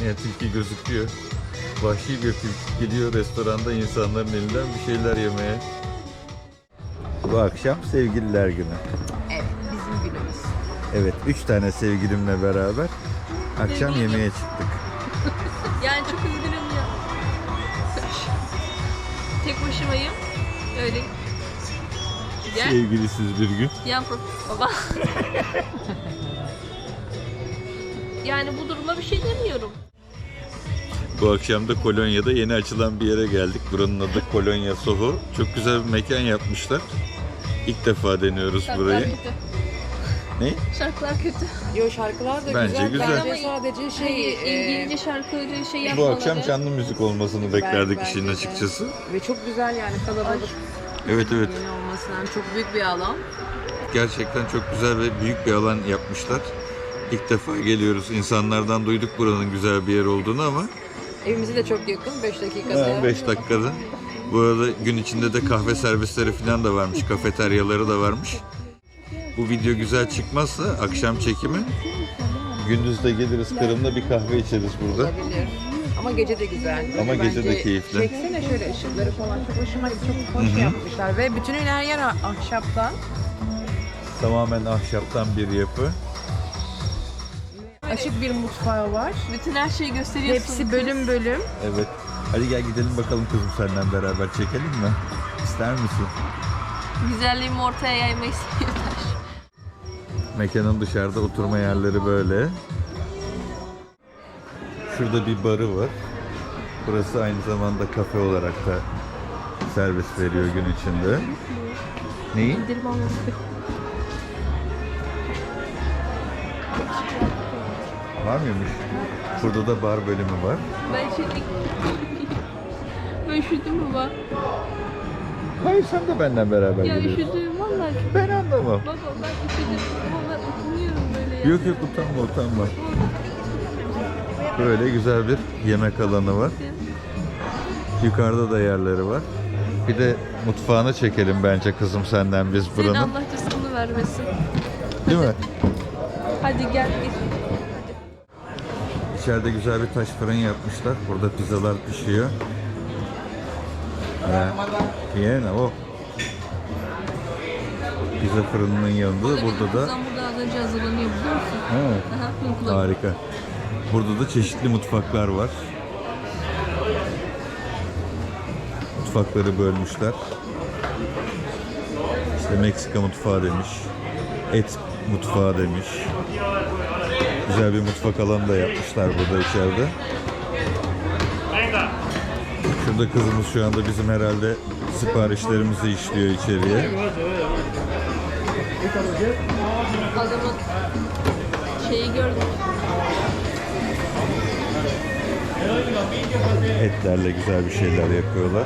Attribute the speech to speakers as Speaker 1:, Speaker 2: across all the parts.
Speaker 1: Yani tilki gözüküyor. Vahşi bir tilki geliyor restoranda insanların elinden bir şeyler yemeye. Bu akşam sevgililer günü.
Speaker 2: Evet, bizim günümüz.
Speaker 1: Evet, 3 tane sevgilimle beraber akşam yemeğe çıktık.
Speaker 3: Yani çok üzgünüm ya. Tek başımayım. Öyle. Gel.
Speaker 1: Sevgilisiz bir gün.
Speaker 3: Yan baba. Yani bu duruma bir şey demiyorum.
Speaker 1: Bu akşam da Kolonya'da yeni açılan bir yere geldik. Buranın adı Kolonya Soho. Çok güzel bir mekan yapmışlar. İlk defa deniyoruz
Speaker 3: Şarkılar
Speaker 1: burayı.
Speaker 3: kötü.
Speaker 1: Ne?
Speaker 3: Şarkılar kötü.
Speaker 2: Yo, şarkılar da
Speaker 1: Bence güzel.
Speaker 2: Bence sadece şey...
Speaker 3: İngilizce şarkıları şey
Speaker 1: Bu
Speaker 3: yapmaları.
Speaker 1: akşam canlı müzik olmasını beklerdik
Speaker 2: bence
Speaker 1: işin
Speaker 2: de.
Speaker 1: açıkçası.
Speaker 2: Ve çok güzel yani, kalabalık.
Speaker 1: Evet evet.
Speaker 2: Yeni olmasından çok büyük bir alan.
Speaker 1: Gerçekten çok güzel ve büyük bir alan yapmışlar. İlk defa geliyoruz. İnsanlardan duyduk buranın güzel bir yer olduğunu ama
Speaker 2: Evimize de çok yakın, 5 dakikada.
Speaker 1: 5 dakikada. Bu arada gün içinde de kahve servisleri falan da varmış. Kafeteryaları da varmış. Bu video güzel çıkmazsa akşam çekimi gündüz de geliriz Kırım'da bir kahve içeriz burada.
Speaker 2: Olabilir. Ama gece de güzel.
Speaker 1: Ama gece de
Speaker 2: Bence
Speaker 1: keyifli.
Speaker 2: Çeksene şöyle ışıkları falan, çok hoşuma gitti. Çok hoş yapmışlar ve bütün her yer ahşaptan.
Speaker 1: Tamamen ahşaptan bir yapı.
Speaker 2: Açık bir mutfağı var.
Speaker 3: Bütün her şeyi gösteriyorsun.
Speaker 2: Hepsi bölüm bölüm.
Speaker 1: Evet. Hadi gel gidelim bakalım kızım senden beraber çekelim mi? İster misin?
Speaker 3: Güzelliğimi ortaya yaymayı seviyorlar.
Speaker 1: Mekanın dışarıda oturma yerleri böyle. Şurada bir barı var. Burası aynı zamanda kafe olarak da servis veriyor gün içinde. Neyi?
Speaker 3: İndirim alması.
Speaker 1: Var mıymış? Burada da bar bölümü var.
Speaker 3: Ben üşüdüm. Ben üşüdüm baba.
Speaker 1: Hayır sen de benden beraber
Speaker 3: Ya
Speaker 1: geliyorsun.
Speaker 3: üşüdüm vallahi.
Speaker 1: Ben anlamam.
Speaker 3: Baba ben üşüdüm. Ama ben utanıyorum böyle ya.
Speaker 1: Yok yok utanma utanma. Böyle güzel bir yemek alanı var. Yukarıda da yerleri var. Bir de mutfağını çekelim bence kızım senden biz
Speaker 3: Senin
Speaker 1: buranın.
Speaker 3: Allah rızkını vermesin.
Speaker 1: Değil mi?
Speaker 3: Hadi gel git.
Speaker 1: İçeride güzel bir taş fırın yapmışlar. Burada pizzalar pişiyor. Yine o. Pizza fırınının yanında da burada da
Speaker 3: Kızım burada az önce hazırlanıyor biliyor musun?
Speaker 1: evet.
Speaker 3: Aha, uyguladım.
Speaker 1: Harika. Burada da çeşitli mutfaklar var. Mutfakları bölmüşler. İşte Meksika mutfağı demiş. Et mutfağı demiş. Güzel bir mutfak alanı da yapmışlar burada içeride. Şurada kızımız şu anda bizim herhalde siparişlerimizi işliyor içeriye.
Speaker 3: Adamın şeyi gördüm.
Speaker 1: Etlerle güzel bir şeyler yapıyorlar.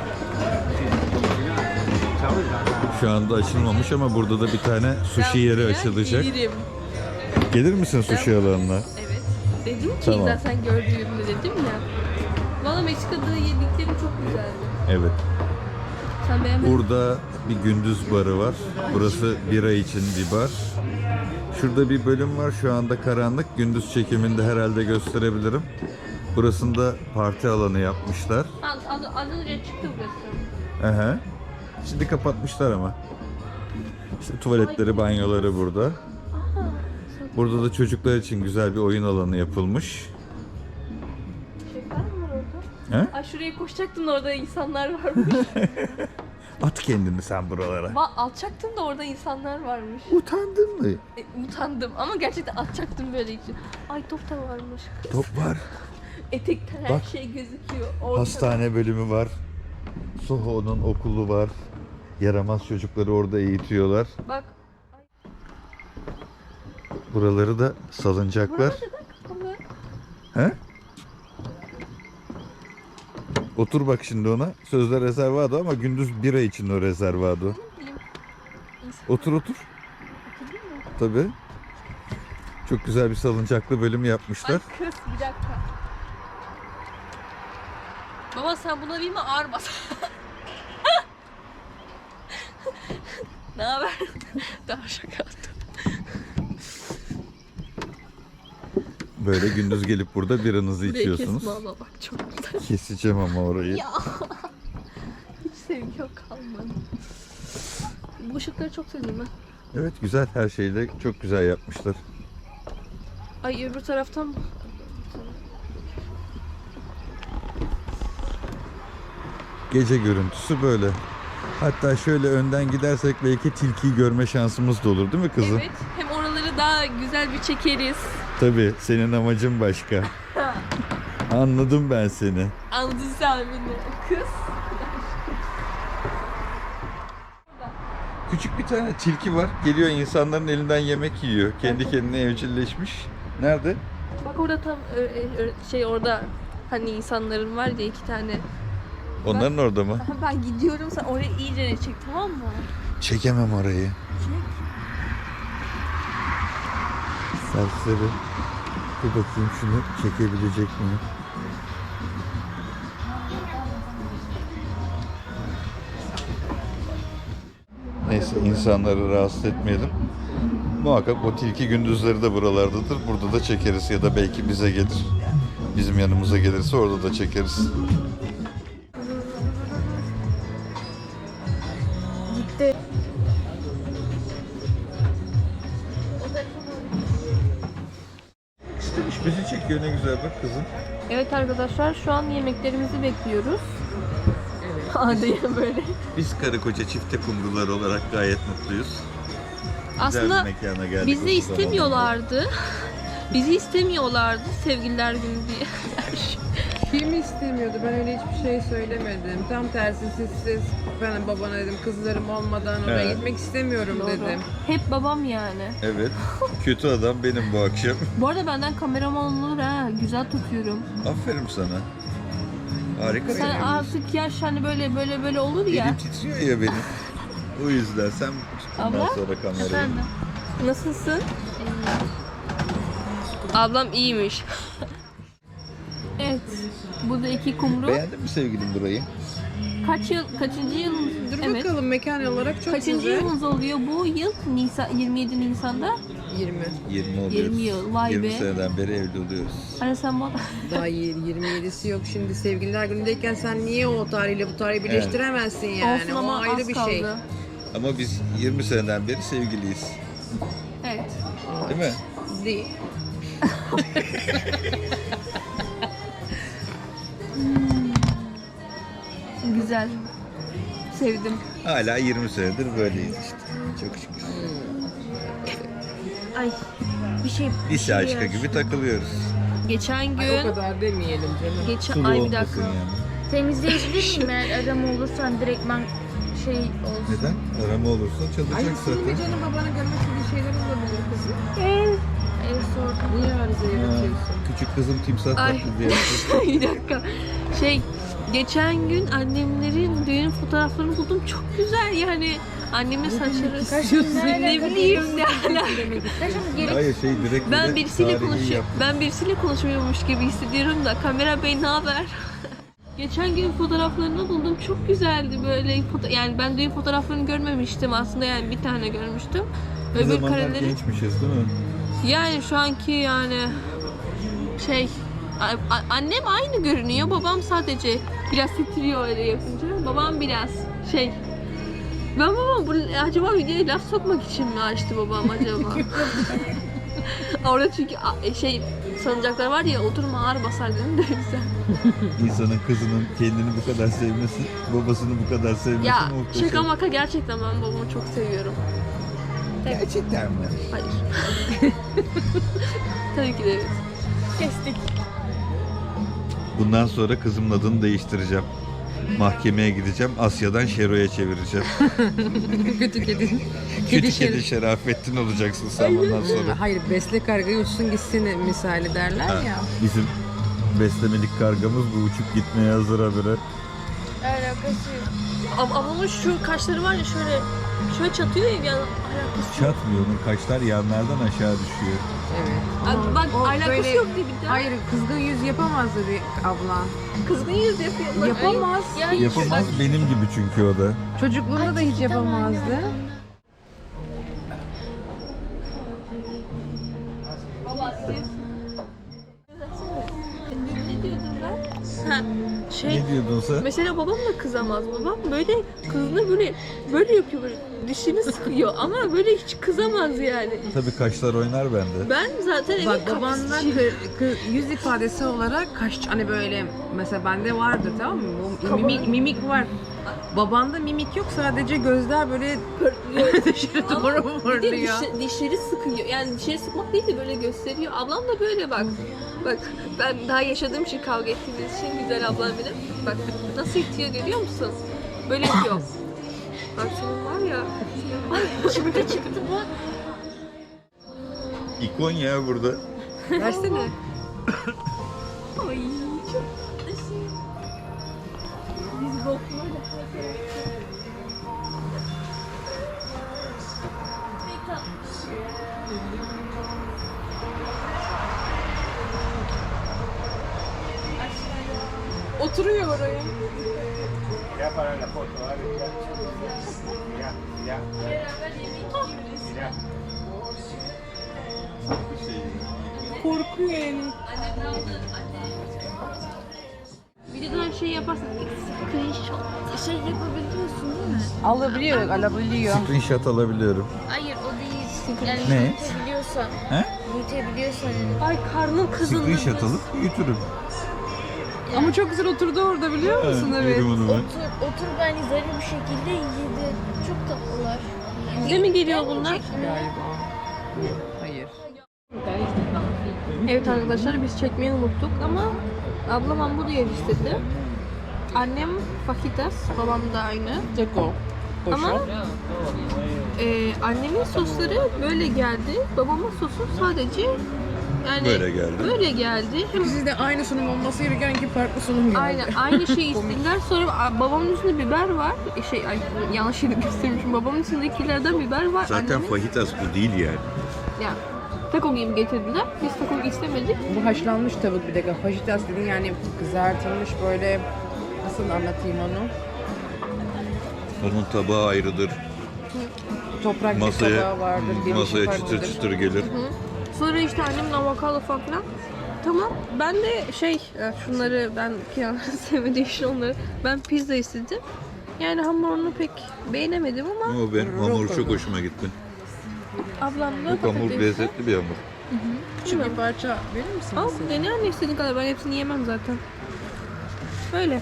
Speaker 1: Şu anda açılmamış ama burada da bir tane sushi yeri açılacak.
Speaker 3: Gelirim.
Speaker 1: Gelir misin sushi alanına?
Speaker 3: Evet. Dedim ki
Speaker 1: Tamam.
Speaker 3: zaten gördüğümde dedim ya. Valla Meksika'da yediklerim çok güzeldi.
Speaker 1: Evet.
Speaker 3: Sen beğenmedin mi?
Speaker 1: Burada bir gündüz barı var. Burası bira için bir bar. Şurada bir bölüm var. Şu anda karanlık. Gündüz çekiminde herhalde gösterebilirim. Burasında parti alanı yapmışlar.
Speaker 3: Az önce çıktı burası.
Speaker 1: Aha. Şimdi kapatmışlar ama. İşte tuvaletleri, banyoları burada. Burada da çocuklar için güzel bir oyun alanı yapılmış.
Speaker 3: Şeyler mi var orada?
Speaker 1: He?
Speaker 3: Ay şuraya koşacaktım da orada insanlar varmış.
Speaker 1: At kendini sen buralara.
Speaker 3: Alacaktım da orada insanlar varmış.
Speaker 1: Utandın mı?
Speaker 3: Utandım ama gerçekten atacaktım böyle için. Ay top da varmış.
Speaker 1: Top var.
Speaker 3: Etekten her
Speaker 1: Bak.
Speaker 3: şey gözüküyor. Ortada.
Speaker 1: Hastane bölümü var. Soho'nun okulu var. Yaramaz çocukları orada eğitiyorlar.
Speaker 3: Bak.
Speaker 1: Buraları da salıncaklar.
Speaker 3: Burada kapalı.
Speaker 1: He? Otur bak şimdi ona. Sözde rezervado ama gündüz bira için o rezervado. Otur otur. Tabii. Çok güzel bir salıncaklı bölüm yapmışlar.
Speaker 3: Ay kız bir dakika. Baba sen buna bir mi ağır bas? Ne haber? Daha şaka attım.
Speaker 1: Böyle gündüz gelip burada biranızı
Speaker 3: Buraya
Speaker 1: içiyorsunuz.
Speaker 3: kesme ama bak çok güzel.
Speaker 1: Keseceğim ama orayı.
Speaker 3: Ya. Hiç sevgi yok kalmadı. Bu ışıkları çok sevdim ben.
Speaker 1: Evet, güzel, her şeyi de çok güzel yapmışlar.
Speaker 3: Ay öbür taraftan mı?
Speaker 1: Gece görüntüsü böyle. Hatta şöyle önden gidersek belki tilkiyi görme şansımız da olur değil mi kızım?
Speaker 3: Evet. Hem oraları daha güzel bir çekeriz.
Speaker 1: Tabii, senin amacın başka. Anladım ben seni.
Speaker 3: Anladın sen beni. Kız.
Speaker 1: Küçük bir tane tilki var. Geliyor insanların elinden yemek yiyor. Kendi kendine evcilleşmiş. Nerede?
Speaker 3: Bak orada tam şey orada hani insanların var ya 2 tane.
Speaker 1: Onların orada mı?
Speaker 3: Ben gidiyorum sen oraya iyice çek tamam mı?
Speaker 1: Çekemem orayı. Serseri. Dur bakayım şunu çekebilecek miyim? Neyse, insanları rahatsız etmeyelim. Muhakkak o tilki gündüzleri de buralardadır. Burada da çekeriz ya da belki bize gelir. Bizim yanımıza gelirse orada da çekeriz.
Speaker 3: Gitti.
Speaker 1: İstemiş bizi çekiyor, ne güzel bak kızım.
Speaker 3: Evet arkadaşlar şu an yemeklerimizi bekliyoruz. Evet. Hadi böyle.
Speaker 1: Biz karı koca çifte kumrular olarak gayet mutluyuz.
Speaker 3: Aslında
Speaker 1: Güzel bir mekana geldik
Speaker 3: bizi
Speaker 1: uzun
Speaker 3: istemiyorlardı. Bizi istemiyorlardı sevgililer günü diye.
Speaker 2: Kim istemiyordu? Ben öyle hiçbir şey söylemedim. Tam tersi siz ben babana dedim kızlarım olmadan oraya
Speaker 1: He.
Speaker 2: gitmek istemiyorum dedim.
Speaker 3: Hep babam yani.
Speaker 1: Evet. Kötü adam benim bu akşam.
Speaker 3: Bu arada benden kameraman olur ha. Güzel tutuyorum.
Speaker 1: Aferin sana. Harika.
Speaker 3: Sen artık yaş hani böyle olur ya.
Speaker 1: Elim titriyor ya benim. O yüzden sen bundan
Speaker 3: Abla?
Speaker 1: sonra kamerayı.
Speaker 3: Nasılsın? Ablam iyiymiş. Evet. Burada 2 kumru.
Speaker 1: Beğendin mi sevgilim burayı?
Speaker 3: Kaçıncı yılımız?
Speaker 2: Dur
Speaker 3: Evet.
Speaker 2: bakalım mekan olarak çok
Speaker 3: Kaçıncı
Speaker 2: güzel.
Speaker 3: yılımız oluyor bu yıl? 27 Nisan'da.
Speaker 2: 20.
Speaker 1: 20 oluyoruz.
Speaker 3: 20 yıl, vay
Speaker 1: 20
Speaker 3: be.
Speaker 1: seneden beri evli oluyoruz.
Speaker 3: Hani sen bana...
Speaker 2: Daha 27'si yok şimdi sevgililer günündeyken sen niye o tarihle bu tarihi birleştiremezsin yani?
Speaker 3: Olsun
Speaker 2: o
Speaker 3: ama
Speaker 2: ayrı
Speaker 3: az
Speaker 2: bir
Speaker 3: kaldı.
Speaker 2: şey.
Speaker 1: Ama biz 20 seneden beri sevgiliyiz.
Speaker 3: Evet.
Speaker 1: Değil mi?
Speaker 2: Değil.
Speaker 3: Güzel. Sevdim.
Speaker 1: Hala 20 senedir böyleyiz işte. Çok şükür.
Speaker 3: Ay bir şey...
Speaker 1: Lise aşkı gibi takılıyoruz.
Speaker 3: Geçen
Speaker 2: Ay, o
Speaker 3: gün...
Speaker 2: kadar demeyelim canım.
Speaker 3: Geçen...
Speaker 1: Sulu
Speaker 3: Ay bir
Speaker 1: olmasın
Speaker 3: dakika.
Speaker 1: yani.
Speaker 4: Temizleyebilir miyim eğer arama olursa hani direktmen şey olsun.
Speaker 1: Neden? Arama olursa
Speaker 2: Ay
Speaker 1: çalacak
Speaker 2: senin de
Speaker 1: zaten.
Speaker 2: canım babana görmek istediği şeyler olabilir kızım.
Speaker 4: Ev sordum.
Speaker 2: Niye arıza yaratıyorsun?
Speaker 1: Küçük kızım timsah
Speaker 3: Ay.
Speaker 1: taklidi yaptı.
Speaker 3: Bir dakika. Geçen gün annemlerin düğün fotoğraflarını buldum. Çok güzel yani. Annemin saçları... Ne bileyim ne alaka.
Speaker 4: Kaşım geri
Speaker 1: Hayır direkt
Speaker 3: Ben
Speaker 1: böyle
Speaker 3: birisiyle
Speaker 1: tarihi
Speaker 3: konuşuyor.
Speaker 1: yaptı.
Speaker 3: Ben birisiyle konuşuyormuş gibi hissediyorum da kamera bey ne haber? Geçen gün fotoğraflarını buldum. Çok güzeldi böyle. Yani ben düğün fotoğraflarını görmemiştim aslında yani bir tane görmüştüm.
Speaker 1: Bir
Speaker 3: Öbür
Speaker 1: zamanlar
Speaker 3: kareleri
Speaker 1: gençmişiz değil mi?
Speaker 3: yani şu anki yani annem aynı görünüyor. Babam sadece biraz titriyor öyle yapınca. Babam biraz ben babam acaba videoya laf sokmak için mi açtı babam acaba? Orada çünkü sanacaklar var ya oturma ağır basar dedim de güzel.
Speaker 1: İnsanın kızının kendini bu kadar sevmesi, babasını bu kadar sevmesi
Speaker 3: Ya
Speaker 1: muhteşem.
Speaker 3: şaka maka gerçekten ben babamı çok seviyorum.
Speaker 1: Gerçekten mi?
Speaker 3: Hayır. Tabii ki de evet.
Speaker 4: kestik.
Speaker 1: Bundan sonra kızımın adını değiştireceğim. Mahkemeye gideceğim. Asya'dan Şero'ya çevireceğim.
Speaker 2: Kötü kedi.
Speaker 1: Kötü
Speaker 2: şer-
Speaker 1: kedi Şerafettin olacaksın sen bundan sonra.
Speaker 2: Hayır besle kargayı uçsun gitsin misali derler
Speaker 1: Ha,
Speaker 2: ya.
Speaker 1: bizim beslemelik kargamız bu, uçup gitmeye hazır habire.
Speaker 4: Alakası yok.
Speaker 3: Ablamın şu kaşları var ya şöyle çatıyor ya yani alakası yok.
Speaker 1: Çatmıyor, onun kaşlar yanlardan aşağı düşüyor.
Speaker 2: Evet.
Speaker 3: Abi bak
Speaker 2: O
Speaker 3: alakası
Speaker 2: böyle-
Speaker 3: yok diye bir de.
Speaker 2: Hayır kızgın yüz yapamazdı bir ablan.
Speaker 3: Kızgın yüz yapıyor.
Speaker 2: Yapamaz.
Speaker 3: Yani
Speaker 1: Yapamaz, benim gibi çünkü o da.
Speaker 2: Çocukluğunda da hiç yapamazdı.
Speaker 3: Baba siz Ha, şey,
Speaker 1: Ne diyordun sen?
Speaker 3: mesela babam da kızamaz. Babam böyle kızını böyle yapıyor, böyle dişini sıkıyor ama böyle hiç kızamaz yani.
Speaker 1: Tabii kaşlar oynar bende.
Speaker 3: Ben zaten evin
Speaker 2: Bak babanla
Speaker 3: kapısıyım.
Speaker 2: yüz ifadesi olarak kaş hani böyle mesela bende vardır tamam mı? Bu
Speaker 3: Kabarık.
Speaker 2: mimik var. Babanda mimik yok sadece gözler böyle dışarı
Speaker 3: Ama
Speaker 2: doğru
Speaker 3: bir de
Speaker 2: fırlıyor.
Speaker 3: dişleri sıkıyor. Yani dişleri sıkmak değil de böyle gösteriyor. Ablam da böyle bak. Bak ben daha yaşadığım için kavga ettiğimiz için güzel ablam benim. Bak nasıl itiyor görüyor musun? Böyle yapıyor. Bak senin var ya.
Speaker 4: Çıktı bu.
Speaker 1: İkon ya burada.
Speaker 2: Versene.
Speaker 3: Ay çok tatlısın. Biz bakmayla
Speaker 2: Oturuyor oraya.
Speaker 5: Ya para la foto, ¿vale? Ya, ya, ya.
Speaker 2: Korkuyor yani.
Speaker 3: videodan şey yaparsan screenshot.
Speaker 4: Şey yapabiliyorsun değil mi?
Speaker 2: Alabiliyor.
Speaker 1: Screenshot alabiliyorum.
Speaker 4: Hayır o değil. Yani
Speaker 1: Ne?
Speaker 4: büyütebiliyorsan.
Speaker 1: He?
Speaker 4: Büyütebiliyorsan.
Speaker 3: Ay karnım kızıldı.
Speaker 1: Screenshot alıp büyütürüm.
Speaker 2: Ama çok güzel oturdu orada biliyor musun? Evet.
Speaker 1: yerim onu ben.
Speaker 4: Otur ben zarif bir şekilde yedi. Çok tatlılar.
Speaker 3: Bize mi geliyor bunlar?
Speaker 2: Galiba. Hayır.
Speaker 3: Evet arkadaşlar biz çekmeyi unuttuk ama ablam hamburger istedi. Annem fajitas, babam da aynı.
Speaker 2: Ceko.
Speaker 3: Ama annemin sosları böyle geldi. Babamın sosu sadece yani
Speaker 1: Böyle geldi.
Speaker 3: Böyle geldi. Hem
Speaker 2: Sizde aynı sunum olması gereken ki farklı sunum geldi.
Speaker 3: aynı şeyi istediler. Sonra babamın üstünde biber var. Yanlış yeri göstermişim. Babamın üstündekilerden biber var.
Speaker 1: Zaten
Speaker 3: Annemin,
Speaker 1: fajitas bu değil yani.
Speaker 3: yani taco gibi getirdiler. Biz taco istemedik.
Speaker 2: Bu haşlanmış tavuk bir dakika. Fajitas dediğin yani kızartılmış böyle nasıl anlatayım onu?
Speaker 1: Onun tabağı ayrıdır.
Speaker 2: Toprak bir
Speaker 1: Masaya,
Speaker 2: tabağı vardır. gelişi
Speaker 1: masaya çıtır
Speaker 2: farklıdır.
Speaker 1: çıtır gelir.
Speaker 3: Sonra işte annemin avokado falan filan. Tamam. Ben de şunları ben kenarları sevmediğim için onları ben pizza istedim. Yani hamurunu pek beğenemedim ama
Speaker 1: Ama benim hamur çok hoşuma gitti.
Speaker 3: ablam da
Speaker 1: Bu hamur
Speaker 3: patates.
Speaker 1: lezzetli bir hamur.
Speaker 2: Küçük bir parça verir misin?
Speaker 3: Al
Speaker 2: bize?
Speaker 3: dene anne istediğin kadar, ben hepsini yemem zaten. Böyle.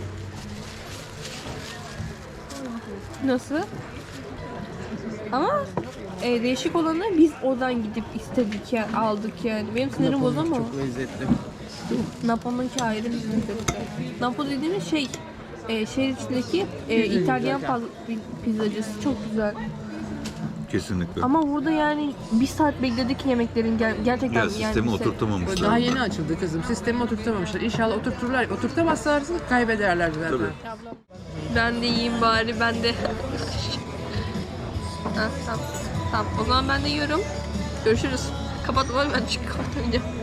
Speaker 3: Nasıl? Ama değişik olanı biz oradan gidip istedik yani aldık yani. Benim sinirim bozamam.
Speaker 2: Çok lezzetli.
Speaker 3: Napo'nunki ayrı bir lezzetli. Napo dediğimiz şehir içindeki İtalyan pizzacısı çok güzel.
Speaker 1: Kesinlikle.
Speaker 3: Ama burada yani bir saat bekledik yemeklerin gerçekten
Speaker 1: Ya
Speaker 3: yani
Speaker 1: sistemi
Speaker 3: bir saat.
Speaker 1: oturtamamışlar.
Speaker 2: Daha yeni açıldı kızım. Sistemi oturtamamışlar. İnşallah oturturlar. Oturtamazlarsa kaybederler zaten.
Speaker 1: Tabii.
Speaker 3: Ben de yiyeyim bari, ben de. Ha, tamam. Tamam, o zaman ben de yiyorum. Görüşürüz. Kapat, ben çünkü kapatamayacağım.